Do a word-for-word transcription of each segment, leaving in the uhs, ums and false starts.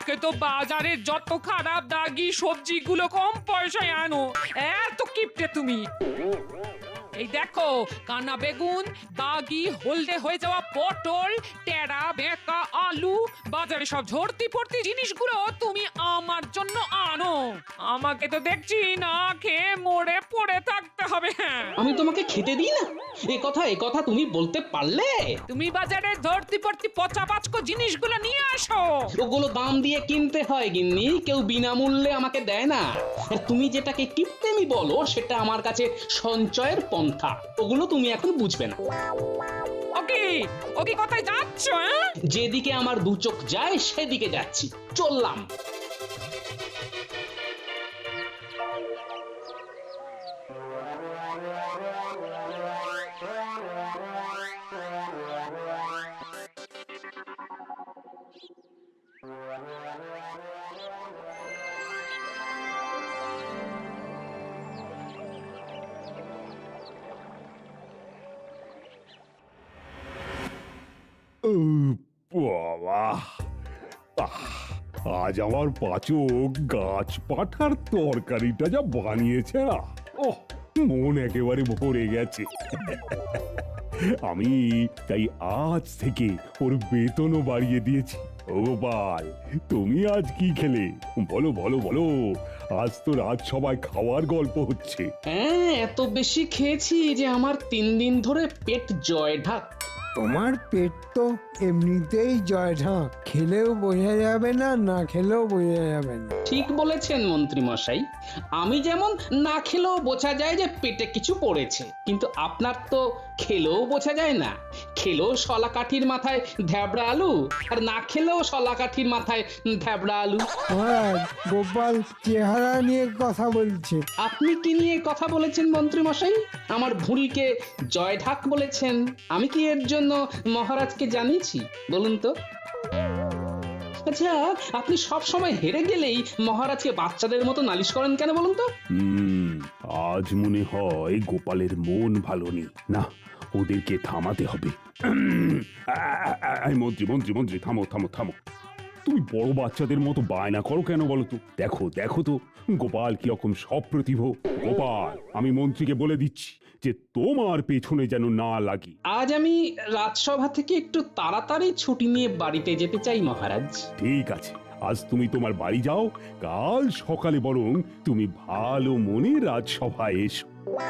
আমাকে তো বাজারে যত খারাপ দাগি সবজিগুলো কম পয়সায় আনো, এত কিপটে তুমি। এই দেখো, কানা বেগুন, দাগি হলদে হয়ে যাওয়া পটল, টেরা বেঁকা আলু, বাজারে সব ঝর্তি পড়তি জিনিসগুলো তুমি আমার জন্য আনো। আমাকে তো দেখছি না খেয়ে মরে পড়ে থাকতে হবে। হ্যাঁ, আমি তোমাকে খেতে দিই না? এ কথা এ কথা তুমি বলতে পারলে? তুমি বাজারে ধরতি পড়তি পচা পাচকো জিনিসগুলো নিয়ে আসো। ওগুলো দাম দিয়ে কিনতে হয় গিন্নি, কেউ বিনামূল্যে আমাকে দেয় না। আর তুমি যেটাকে কিপটেমি বলো সেটা আমার কাছে সঞ্চয়ের পন্থা। ওগুলো তুমি এখন বুঝবে না। ওকে ওকে, কোথায় যাচ্ছ? হ্যাঁ, যেদিকে আমার দু চোখ যায় সেদিকে যাচ্ছি, চললাম। ও বাবা, আহ, আজ আমার পাচক গাছ পাঠার তরকারিটা যা বানিয়েছে না, ওহ, মন একেবারে ভরে গেছে। আমি তাই আজ থেকে ওর বেতনও বাড়িয়ে দিয়েছি। ও গোপাল, তুমি আজ কি খেলে? বলো বলো বলো, আজ তো রাত সবাই খাওয়ার গল্প হচ্ছে। হ্যাঁ, এত বেশি খেয়েছি যে আমার তিন দিন ধরে পেট জয় ঢাক। তোমার পেট তো এমনিতেই জয় ঢাক, খেলেও বোঝা যাবে না, না খেলেও বোঝা যাবে না। ঠিক বলেছেন মন্ত্রী মশাই, আমি যেমন না খেলেও বোঝা যায় যে পেটে কিছু পড়েছে, কিন্তু আপনার তো খেলেও বোঝা যায় না। খেলেও শলা কাঠির মাথায় ধ্যাবড়া আলু, আর না খেলেও শলা কাঠির মাথায় ধ্যাবড়া আলু। মহারাজ, গোপাল চেহারা নিয়ে কথা বলছে। আপনি কি নিয়ে কথা বলেছেন মন্ত্রী মশাই? আমার ভুঁড়িকে জয় ঢাক বলেছেন। আমি কি এর জন্য মহারাজকে জানিয়েছি বলুন তো? আচ্ছা, আপনি সব সময় হেরে গেলেই মহারাজকে বাচ্চাদের মতো নালিশ করেন কেন বলুন তো? হুম, আজ মনে হয় গোপালের মন ভালো নেই। না, ওদেরকে থামাতে হবে। উম, আ, আ, আ, আ, মন্ত্রী মন্ত্রী মন্ত্রী থামো থামো থামো। তুমি বড় বাচ্চাদের মতো বায়না করো কেন বলো তো? দেখো দেখো তো গোপাল কিরকম সপ্রতিভ। গোপাল, আমি মন্ত্রীকে বলে দিচ্ছি যে তোমার পেছনে যেন না লাগি। আজ আমি রাজসভা থেকে একটু তাড়াতাড়ি ছুটি নিয়ে বাড়িতে যেতে চাই মহারাজ। ঠিক আছে, আজ তুমি তোমার বাড়ি যাও, কাল সকালে বরং তুমি ভালো মনে রাজসভায় এসো।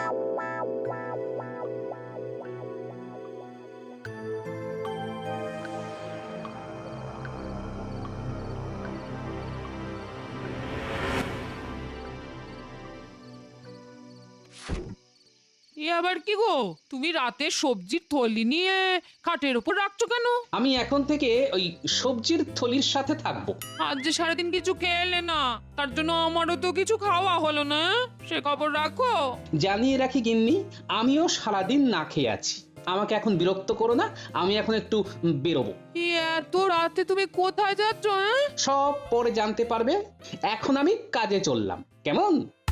এ আবার কি গো, তুমি রাতে সবজির থলি নিয়ে খাটের উপর রাখছো কেন? আমি এখন থেকে ওই সবজির থলির সাথে থাকবো। আজ যে সারাদিন কিছু খেলে না, তার জন্য আমারও তো কিছু খাওয়া হলো না। সে খবর রাখো। জানিয়ে রাখি গিন্নি, আমিও সারাদিন না খেয়ে আছি। আমাকে এখন বিরক্ত করো না, আমি এখন একটু বেরোবো। এ এত রাতে তুমি কোথায় যাচ্ছ? হ্যাঁ, সব পরে জানতে পারবে। এখন আমি কাজে চললাম, কেমন?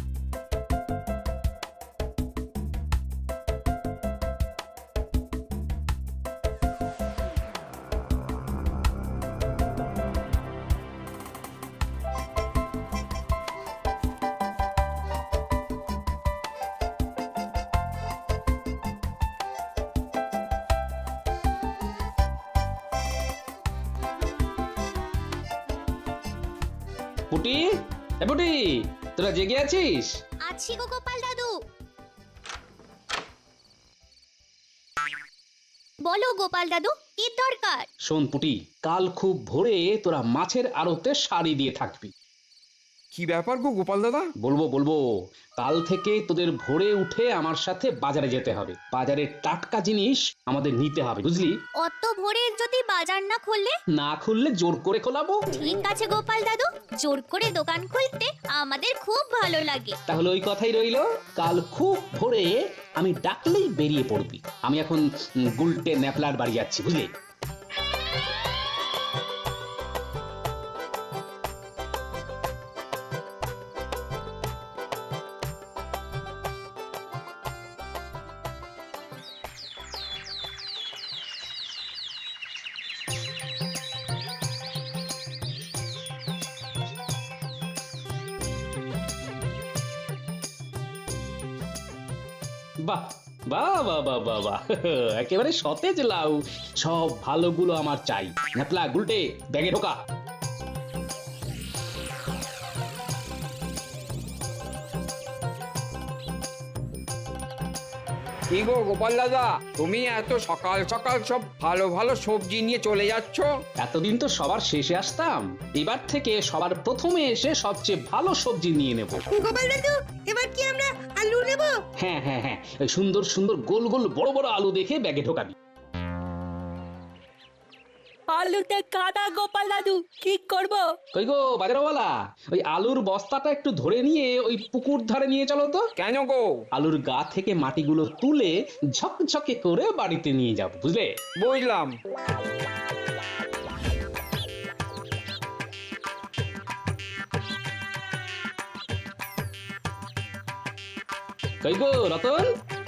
পুটি, এ পুটি, তোরা জেগে আছিস? আছি গো গোপাল দাদু। বলো গোপাল দাদু, কি দরকার? শোন পুটি, কাল খুব ভোরে তোরা মাছের আড়তে সারি দিয়ে থাকবি। কি ব্যাপার গো গোপাল দাদা? বলবো বলবো কাল থেকে তোদের ভোরে উঠে আমার সাথে বাজারে যেতে হবে। বাজারের টাটকা জিনিস আমাদের নিতে হবে, বুঝলি? অত ভোরে যদি বাজার না খুললে? না খুললে জোর করে খোলাবো। ঠিক আছে গোপাল দাদু, জোর করে দোকান খুলতে আমাদের খুব ভালো লাগে। তাহলে ওই কথাই রইলো, কাল খুব ভোরে আমি ডাকলেই বেরিয়ে পড়বি। আমি এখন উম, গুলটে ন্যাপলার বাড়ি যাচ্ছি, বুঝলি? বাহ বাহ বাহ বাহ বাহ বাহ একেবারে সতেজ লাউ, সব ভালোগুলো আমার চাই। নাতলা গুলটে ব্যাগে ঢোকা। কি গো গোপাল দাদা, তুমি এত সকাল সকাল সব ভালো ভালো সবজি নিয়ে চলে যাচ্ছ? এতদিন তো সবার শেষে আসতাম, এবার থেকে সবার প্রথমে এসে সবচেয়ে ভালো সবজি নিয়ে নেব। গোপাল দাদু, এবার কি আমরা আলু নেব? হ্যাঁ হ্যাঁ হ্যাঁ, ওই সুন্দর সুন্দর গোল গোল বড় বড় আলু দেখে ব্যাগে ঢোকাবি। আলুতে কাদা গোপাল দাদু, কি করব? কই গো বাজারওয়ালা, ওই আলুর বস্তাটা একটু ধরে নিয়ে ওই পুকুর ধারে নিয়ে চলো তো। কেন গো? আলুর গা থেকে মাটিগুলো তুলে ঝকঝকে করে বাড়িতে নিয়ে যাব, বুঝলে? বুঝলাম। কই গো রতন,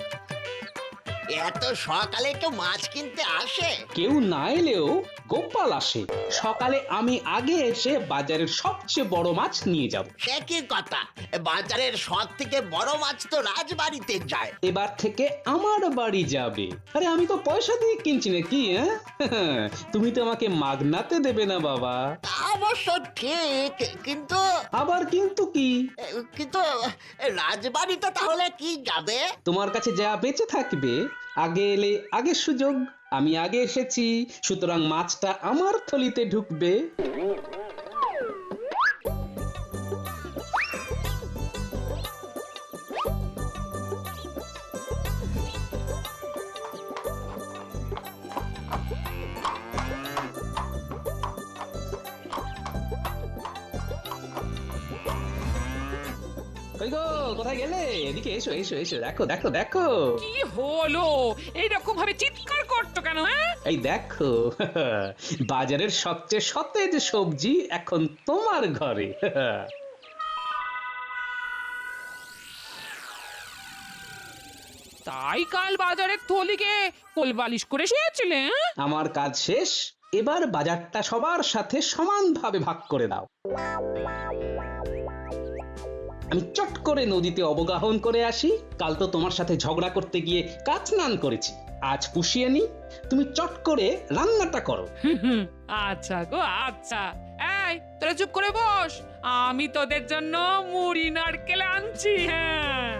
এত সকালে কেউ মাছ কিনতে আসে? কেউ না এলেও গোপাল আসে। সকালে আমি আগে এসে বাজারের সবচেয়ে বড় মাছ নিয়ে যাব। সে কি কথা, বাজারের সব থেকে বড় মাছ তো রাজবাড়িতে যায়। এবার থেকে আমার বাড়ি যাবে। আরে আমি তো পয়সা দিয়ে কিনছি নাকি, হ্যাঁ? তুমি তো আমাকে মাগনাতে দেবে না বাবা। তা অবশ্য ঠিক, কিন্তু আবার কিন্তু কি? কিন্তু রাজবাড়িতে তাহলে কি যাবে? তোমার কাছে যা বেঁচে থাকবে, আগে এলে আগে সুযোগ। আমি আগে এসেছি, সুতরাং মাছটা আমার থলিতে ঢুকবে। কই গো, কোথায় গেলে? এদিকে এসো এসো এসো, দেখো দেখো দেখো। কি হলো, এইরকম ভাবে চিৎকার করছো কেন? হ্যাঁ, এই দেখো, বাজারের সবচেয়ে সতেজ সবজি এখন তোমার ঘরে। তাই কাল বাজারের থলিকে কোলবালিশ করে শুয়েছিলে? হ্যাঁ? আমার কাজ শেষ, এবার বাজারটা সবার সাথে সমানভাবে ভাগ করে দাও। আমি চট করে নদীতে অবগাহন করে আসি। কাল তো তোমার সাথে ঝগড়া করতে গিয়ে কাচ স্নান করেছি, আজ পুষিয়ে নি। তুমি চট করে রান্নাটা করো। হুম, আচ্ছা গো আচ্ছা। এই তোরা চুপ করে বস, আমি তোদের জন্য মুড়ি নারকেল আনছি। হ্যাঁ,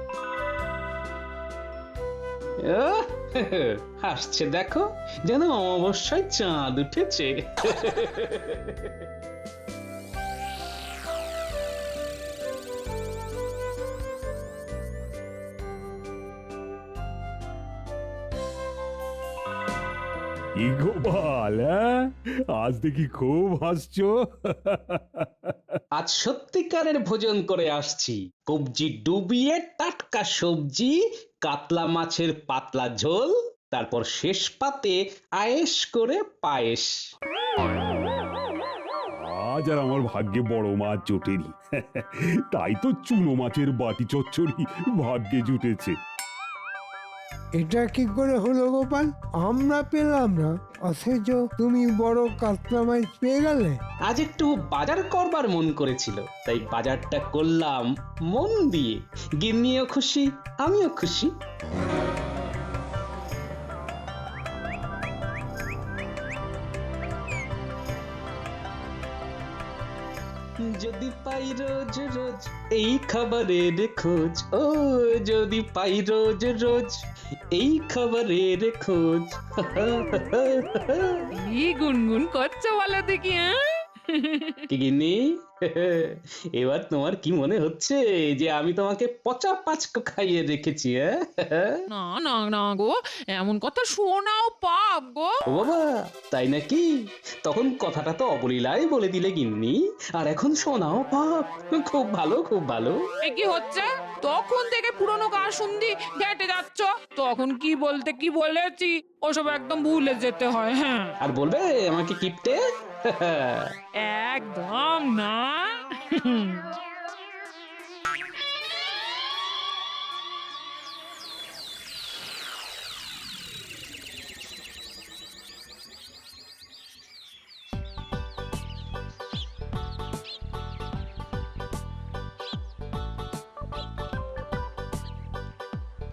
আহ, হাসছে দেখো, যেন অমাবস্যায় চাঁদ উঠেছে। কি গোপাল, হ্যাঁ? আজ দেখি খুব হাসছো। আজ সত্যিকারের ভোজন করে আসছি। কবজি ডুবিয়ে টাটকা সবজি, কাতলা মাছের পাতলা ঝোল, তারপর শেষ পাতে আয়েশ করে পায়েস। আজ আর আমার ভাগ্যে বড় মাছ জোটেনি, তাই তো চুনো মাছের বাটি চচ্চড়ি ভাগ্যে জুটেছে। এটা কি করে হলো গোপাল? আমরা পেলাম না, অথচ তুমি বড় কাতলা মাছ পেয়ে গেলে। আজ একটু বাজার করবার মন করেছিল, তাই বাজারটা করলাম মন দিয়ে। গিন্নিও খুশি, আমিও খুশি। যদি পাই রোজ রোজ এই খাবারের খোঁজ, ও যদি পাই রোজ রোজ এই খাবারের খোঁজ। কি গুনগুন করছো বলো দেখি? হ্যাঁ, কি গিন্নি, এবার তোমার কি মনে হচ্ছে যে আমি তোমাকে পচা পাঁচকো খাইয়ে রেখেছি? হ্যাঁ, না না না গো, এমন কথা শোনাও পাপ গো। ও বাবা, তাই নাকি? তখন কথাটা তো অবলীলায় বলে দিলে গিন্নি, আর এখন শোনাও পাপ। খুব ভালো খুব ভালো। এ কি হচ্ছে? তখন থেকে পুরনো গান শুনদি ঘেটে যাচ্ছ, তখন কি বলতে কি বলেছি ওসব একদম ভুলে যেতে হয়। হ্যাঁ, আর বলবে আমাকে কিপটে? একদম না।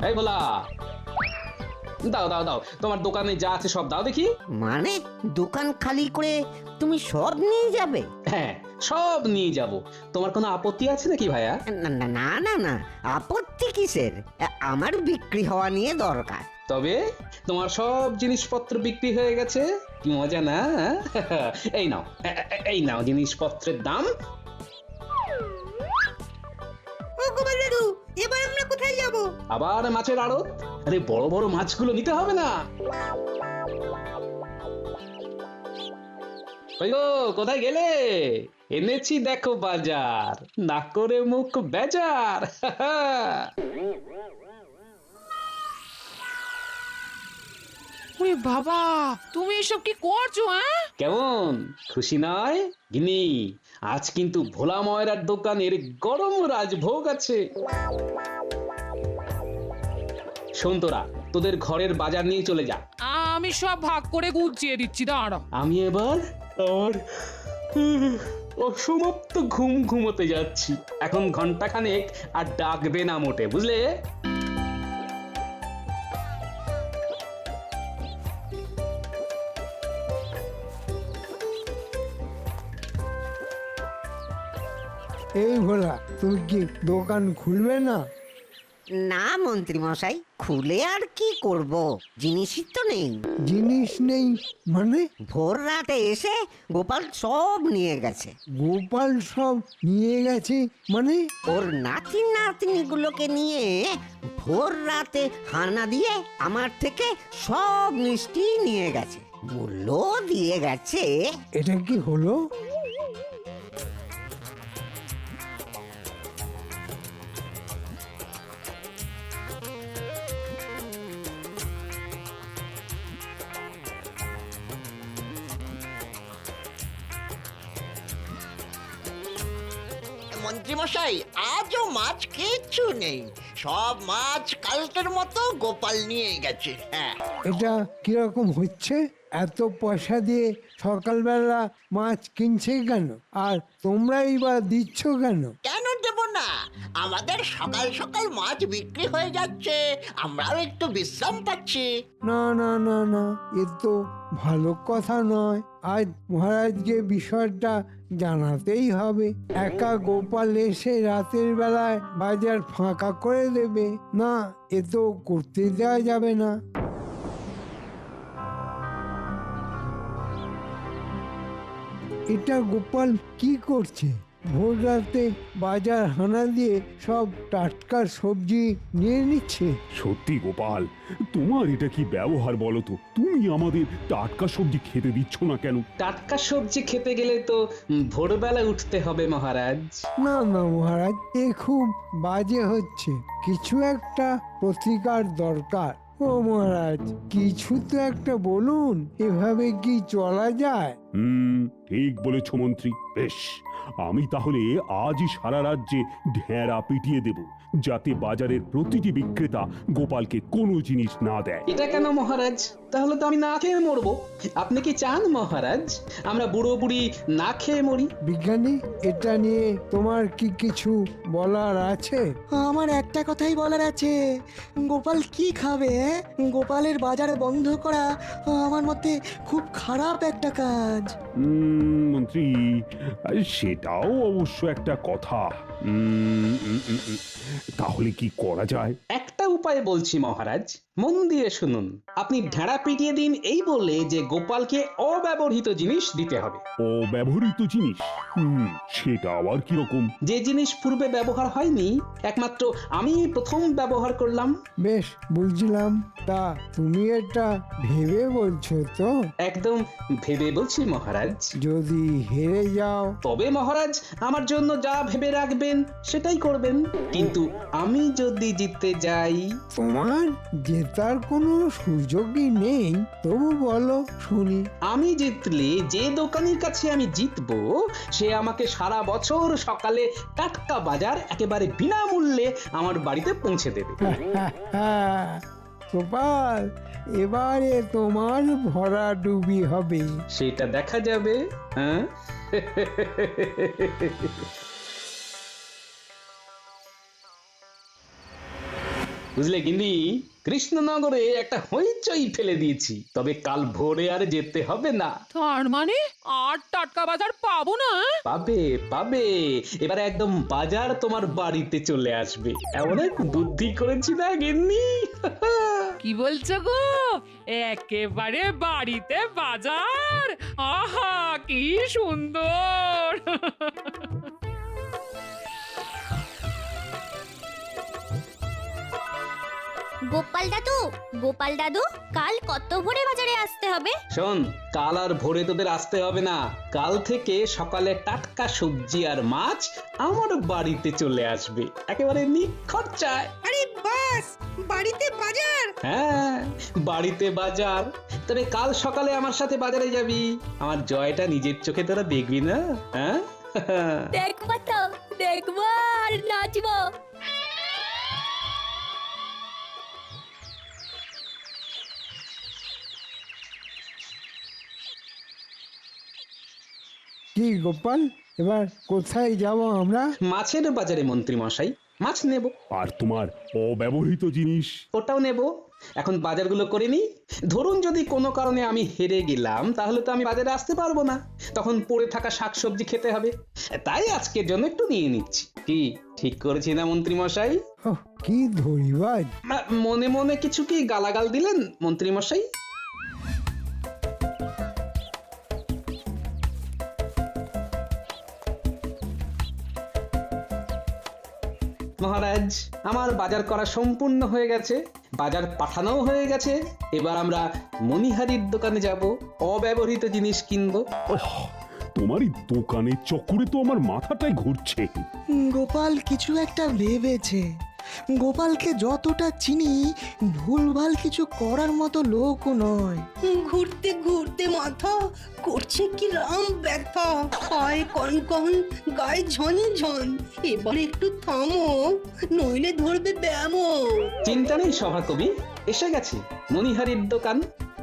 এই ভোলা, দাও দাও দাও, তোমার দোকানে যা আছে সব দাও দেখি। মানে দোকান খালি করে তুমি সব নিয়ে যাবে? হ্যাঁ, সব নিয়ে যাব। তোমার কোনো আপত্তি আছে নাকি ভাইয়া? না না না না না, আপত্তি কিসের? আমার বিক্রি হওয়া নিয়ে দরকার। তবে তোমার সব জিনিসপত্র বিক্রি হয়ে গেছে, কি মজা না? এই নাও, এ- এ- এই নাও জিনিসপত্রের দাম। ও গোপাল দাদু, এবার আমরা কোথায় যাব? আবার মাছের আড়ত? আরে বড় বড় মাছগুলো নিতে হবে না? ওই গো, কোথায় গেলে? এনেছি দেখো বাজার, না করে মুখ বেজার। ওরে বাবা, তুমি এসব কি করছো? হ্যাঁ, কেমন খুশি নয় গিনি? আজ কিন্তু ভোলা ময়রার দোকানের গরম রাজভোগ আছে। শোন তোরা, তোদের ঘরের বাজার নিয়ে চলে যা। আমি সব ভাগ করে গুছিয়ে দিচ্ছি, দাঁড়াও। আমি এবার আমার অসমাপ্ত ঘুম ঘুমোতে যাচ্ছি। এখন ঘন্টা খানেক আর ডাকবে না মোটে, বুঝলে? এই ভোলা, তুমি কি দোকান খুলবে না? না মন্ত্রী মশাই, খুলে আর কি করব, জিনিসই তো নেই। জিনিস নেই মানে? ভোর রাতে এসে গোপাল সব নিয়ে গেছে। গোপাল সব নিয়ে গেছে মানে? ওর নাতি নাতনিগুলোকে নিয়ে ভোর রাতে হানা দিয়ে আমার থেকে সব মিষ্টি নিয়ে গেছে, মূল্য দিয়ে গেছে। এটা কি হলো? মন্ত্রী মশাই, আজও মাছ কিচ্ছু নেই, সব মাছ কালকের মতো গোপাল নিয়ে গেছে। হ্যাঁ, এটা কিরকম হচ্ছে? এত পয়সা দিয়ে সকালবেলা মাছ কিনছে কেন, আর তোমরাই বা দিচ্ছ কেন? কেন দেব না? আমাদের সকাল সকাল মাছ বিক্রি হয়ে যাচ্ছে, আমরাও একটু বিশ্রাম পাচ্ছি। না না না না, এ তো ভালো কথা নয়। আজ মহারাজকে বিষয়টা জানাতেই হবে। একা গোপাল এসে রাতের বেলায় বাজার ফাঁকা করে দেবে না, এ তো করতে দেওয়া যাবে না। এটা গোপাল কি করছে? ভোর রাতে বাজার হানা দিয়ে সব টাটকা সবজি নিয়ে নিচ্ছে। সত্যি গোপাল, তোমার এটা কি ব্যবহার বলো তো? তুমি আমাদের টাটকা সবজি খেতে দিচ্ছ না কেন? টাটকা সবজি খেতে গেলে তো উম, ভোরবেলা উঠতে হবে মহারাজ। না না মহারাজ, এ খুব বাজে হচ্ছে। কিছু একটা প্রতিকার দরকার। ও মহারাজ, কিছু তো একটা বলুন, এভাবে কি চলা যায়? হুম, ঠিক বলেছ মন্ত্রী। বেশ, আমি তাহলে আজই সারা রাজ্যে ঢেঁড়া পিটিয়ে দেব, যাতে বাজারের প্রতিটি বিক্রেতা গোপালকে কোনো জিনিস না দেয়। এটা কেন মহারাজ? তাহলে তো আমি না খেয়ে মরবো। আপনি কি চান মহারাজ আমরা বুড়ো বুড়ি না খেয়ে মরি? বিজ্ঞানী, এটা নিয়ে তোমার কি কিছু বলার আছে? আমার একটা কথাই বলার আছে, গোপাল কি খাবে? হ্যাঁ? গোপালের বাজার বন্ধ করা আমার মতে খুব খারাপ একটা কাজ। উম, মন্ত্রী, আহ, সেটাও অবশ্য একটা কথা। উম, উম, উম, উম, তাহলে কি করা যায়? একটা উপায় বলছি মহারাজ, মন দিয়ে শুনুন। আপনি ঢেঁড়া পিটিয়ে দিন এই বলে যে গোপালকে অব্যবহৃত জিনিস দিতে হবে। অব্যবহৃত জিনিস? হুম, সেটা আবার কিরকম? যে জিনিস পূর্বে ব্যবহার হয়নি, একমাত্র আমি প্রথম ব্যবহার করলাম। বেশ, বুঝলাম। তা তুমি এটা ভেবে বলছো তো? একদম ভেবে বলছি মহারাজ। যদি হেরে যাও? তবে মহারাজ আমার জন্য যা ভেবে রাখবেন সেটাই করবেন। কিন্তু আমি যদি জিততে যাই? তোমার জেতার কোনো সুযোগই নেই। তবু বলো শুনি। আমি জিতলে যে দোকানের কাছে আমি জিতবো সে আমাকে সারা বছর সকালে টাটকা বাজার একেবারে বিনামূল্যে আমার বাড়িতে পৌঁছে দেবে। গোপাল, এবারে তোমার ভরা ডুবি হবে। সেটা দেখা যাবে। হ্যাঁ, বুঝলে গিন্নি, কৃষ্ণনগরে একটা হইচই ফেলে দিয়েছি, তবে কাল ভোরে আর যেতে হবে না। তার মানে আর টাটকা বাজার পাবো না? পাবে পাবে, এবারে একদম বাজার তোমার বাড়িতে চলে আসবে। এমন এক বুদ্ধি করেছি না গিন্নি। কি বলছো গো? একেবারে বাড়িতে বাজার? আহা কি সুন্দর! গোপাল দাদু, গোপাল দাদু, কাল কত ভোরে বাজারে আসতে হবে? শোন, কাল আর ভোরে তোদের আসতে হবে না। কাল থেকে সকালে টাটকা সবজি আর মাছ আমার বাড়িতে চলে আসবে, একেবারে নিখরচায়। আরে বাস, বাড়িতে বাজার? হ্যাঁ, বাড়িতে বাজার। তবে কাল সকালে আমার সাথে বাজারে যাবি, আমার জয়টা নিজের চোখে তোরা দেখবি না? হ্যাঁ, দেখবো তো, দেখবো আর নাচবো। কি গোপাল, এবার কোথায় যাব আমরা? মাছের বাজারে মন্ত্রী মশাই, মাছ নেব। আর তোমার অব্যবহৃত জিনিস? ওটাও নেব। এখন বাজারগুলো করে নি। ধরুন যদি কোনো কারণে আমি হেরে গেলাম, তাহলে তো আমি বাজারে আসতে পারবো না, তখন পড়ে থাকা শাকসবজি খেতে হবে। তাই আজকের জন্য একটু নিয়ে নিচ্ছি। কি ঠিক করেছি না মন্ত্রী মশাই? ওহ, কি ধরিবাজ! মনে মনে কিছু কি গালাগাল দিলেন মন্ত্রী মশাই? মহারাজ, আমার বাজার করা সম্পূর্ণ হয়ে গেছে, বাজার পাঠানোও হয়ে গেছে। এবার আমরা মণিহারির দোকানে যাব, অব্যবহৃত জিনিস কিনবো। ওহ, তোমার এই দোকানের চক্করে তো আমার মাথাটাই ঘুরছে। গোপাল কিছু একটা ভেবেছে। গোপালকে যতটা চিনি, ভুলভাল কিছু করার মতো লোকও নয়। ঘুরতে ঘুরতে মাথা করছে কি রাম ব্যথা, পায়ে কনকন, গায়ে ঝনঝন। এবার একটু থামো, নইলে ধরবে ব্যামো। চিন্তা নেই সভাকবি, এসে গেছে মণিহারির দোকান।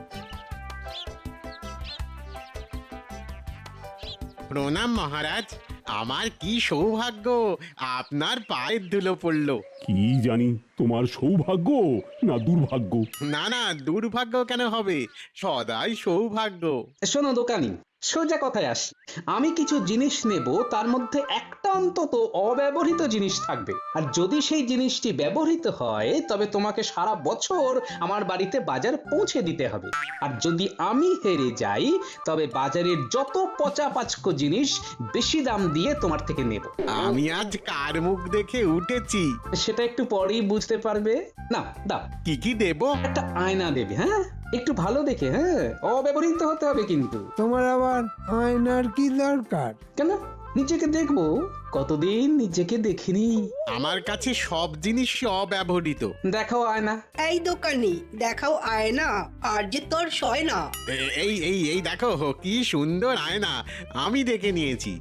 প্রণাম মহারাজ, আমার কি সৌভাগ্য আপনার পায়ের ধুলো পড়লো। কি জানি তোমার সৌভাগ্য না দুর্ভাগ্য। না না, দুর্ভাগ্য কেন হবে, সদাই সৌভাগ্য। শোনো দোকানি, সোজা কথায় আসি। আমি কিছু জিনিস নেব, তার মধ্যে একটা অন্তত অব্যবহৃত জিনিস থাকবে। আর যদি সেই জিনিসটি ব্যবহৃত হয়, তবে তোমাকে সারা বছর আমার বাড়িতে বাজার পৌঁছে দিতে হবে। আর যদি আমি হেরে যাই, তবে বাজারের যত পচা পাচকো জিনিস বেশি দাম দিয়ে তোমার থেকে নেব। আমি আজ কার মুখ দেখে উঠেছি সেটা একটু পরেই বুঝতে পারবে। না দাও, কি কি দেব? একটা আয়না দেবে। হ্যাঁ, একটু ভালো দেখে, হ্যাঁ, অব্যবহৃত হতে হবে কিন্তু। তোমার আবার আয়নার কি দরকার? কেন, নিজেকে দেখবো, কতদিন নিজেকে দেখিনি। আমার কাছে সব জিনিস অব্যবহৃত। দেখাও আয়না। এই দোকানি, দেখাও আয়না, আর যে তোর সয় না। এ- এই এই এই দেখো কি সুন্দর আয়না, আমি দেখে নিয়েছি।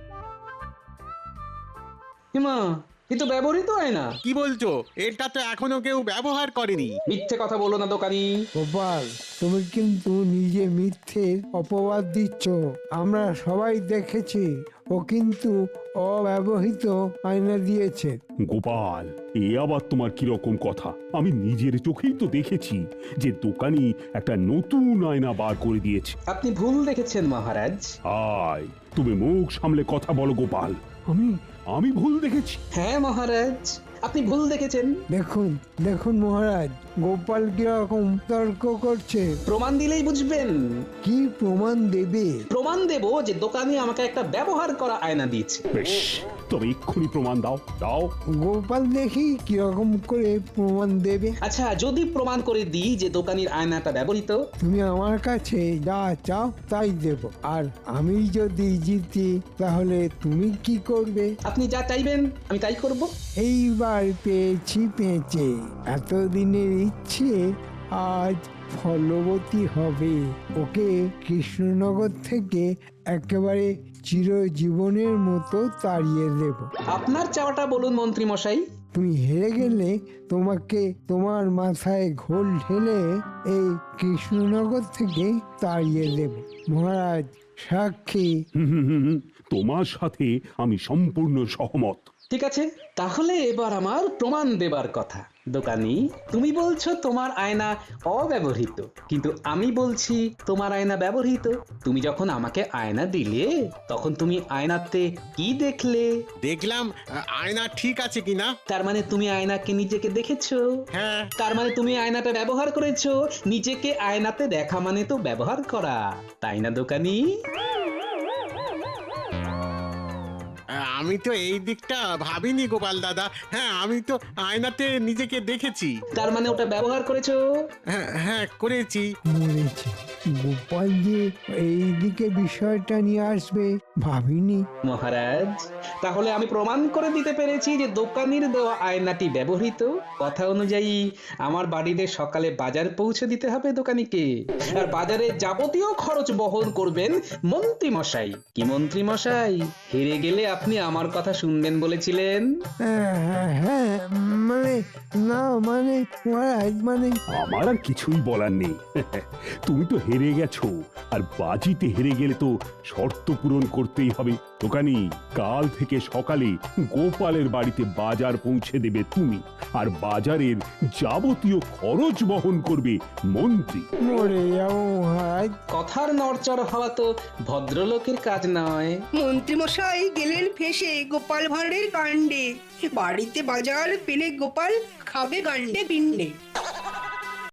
হিমা, এ তো ব্যবহৃত আয়না। কি বলছো? এটা তো এখনো কেউ ব্যবহার করেনি। মিথ্যে কথা বলো না দোকানি। গোপাল, তুমি কিন্তু নিজে মিথ্যে অপবাদ দিচ্ছ। আমরা সবাই দেখেছি, ও কিন্তু অব্যবহৃত আয়না দিয়েছে। গোপাল, এ আবার তোমার কিরকম কথা? আমি নিজের চোখেই তো দেখেছি যে দোকানি একটা নতুন আয়না বার করে দিয়েছে। আপনি ভুল দেখেছেন মহারাজ। আয়, তুমি মুখ সামলে কথা বলো গোপাল। আমি আমি ভুল দেখেছি? হ্যাঁ মহারাজ, আপনি ভুল দেখেছেন। দেখুন দেখুন মহারাজ, গোপাল কিরকম তর্ক করছে। প্রমাণ দিলেই বুঝবেন। কি প্রমাণ দেবে? প্রমাণ দেব যে দোকানি আমাকে একটা ব্যবহার করা আয়না দিয়েছে। বেশ, তবে এক্ষুনি প্রমাণ দাও দাও। গোপাল দেখি কিরকম করে প্রমাণ দেবে। আচ্ছা, যদি প্রমাণ করে দিই যে দোকানির আয়নাটা ব্যবহৃত, তুমি আমার কাছে যা চাও তাই দেব। আর আমি যদি জিতি, তাহলে তুমি কি করবে? আপনি যা চাইবেন আমি তাই করব। এইবার পেয়েছি পেঁচে, এতদিনের ইচ্ছে আজ ফলবতী হবে। ওকে কৃষ্ণনগর থেকে একেবারে চিরজীবনের মতো তাড়িয়ে দেব। আপনার চাওয়াটা বলুন মন্ত্রী মশাই। তুমি হেরে গেলে তোমাকে তোমার মাথায় ঘোল ঢেলে এই কৃষ্ণনগর থেকে তাড়িয়ে দেব। মহারাজ সাক্ষী। হুম, হুম, হুম, হুম, তোমার সাথে আমি সম্পূর্ণ সহমত। ঠিক আছে, তাহলে এবার আমার প্রমাণ দেবার কথা। দোকানি, তুমি বলছো তোমার আয়না অব্যবহৃত, কিন্তু আমি বলছি তোমার আয়না ব্যবহৃত। তুমি যখন আমাকে আয়না দিলে তখন তুমি আয়নাতে কি দেখলে? দেখলাম আ, আয়না ঠিক আছে কিনা। তার মানে তুমি আয়নাকে নিজেকে দেখেছো? হ্যাঁ। তার মানে তুমি আয়নাটা ব্যবহার করেছো। নিজেকে আয়নাতে দেখা মানে তো ব্যবহার করা, তাই না দোকানি? আমি তো এই দিকটা ভাবিনি গোপাল দাদা। হ্যাঁ, আমি তো আয়নাতে নিজেকে দেখেছি। তার মানে ওটা ব্যবহার করেছো? হ্যাঁ হ্যাঁ করেছি। মরেছে গোপাল যে এইদিকে বিষয়টা নিয়ে আসবে ভাবিনি। মহারাজ, তাহলে আমি প্রমাণ করে দিতে পেরেছি যে দোকানির দেওয়া আয়নাটি ব্যবহৃত। কথা অনুযায়ী আমার বাড়িতে সকালে বাজার পৌঁছে দিতে হবে দোকানিকে, আর বাজারে যাবতীয় খরচ বহন করবেন মন্ত্রী মশাই। কি মন্ত্রী মশাই, হেরে গেলে আপনি আমার কথা শুনবেন বলেছিলেন? হ্যাঁ হ্যাঁ, হ্যাঁ মানে না মানে মহারাজ মানে আমার আর কিছুই বলার নেই। তুমি তো হেরে গেছো, আর বাজিতে হেরে গেলে তো শর্ত পূরণ করতেই হবে। দোকানি, কাল থেকে সকালে গোপালের বাড়িতে বাজার পৌঁছে দেবে তুমি, আর বাজারের যাবতীয় খরচ বহন করবে মন্ত্রী। মরে যাবো মহারাজ। কথার নড়চড় হওয়া তো ভদ্রলোকের কাজ নয়। মন্ত্রী মশাই গেলেন ফেসে গোপাল ভাঁড়ের কাণ্ডে। বাড়িতে বাজার পেলে গোপাল খাবে গান্ডে পিণ্ডে।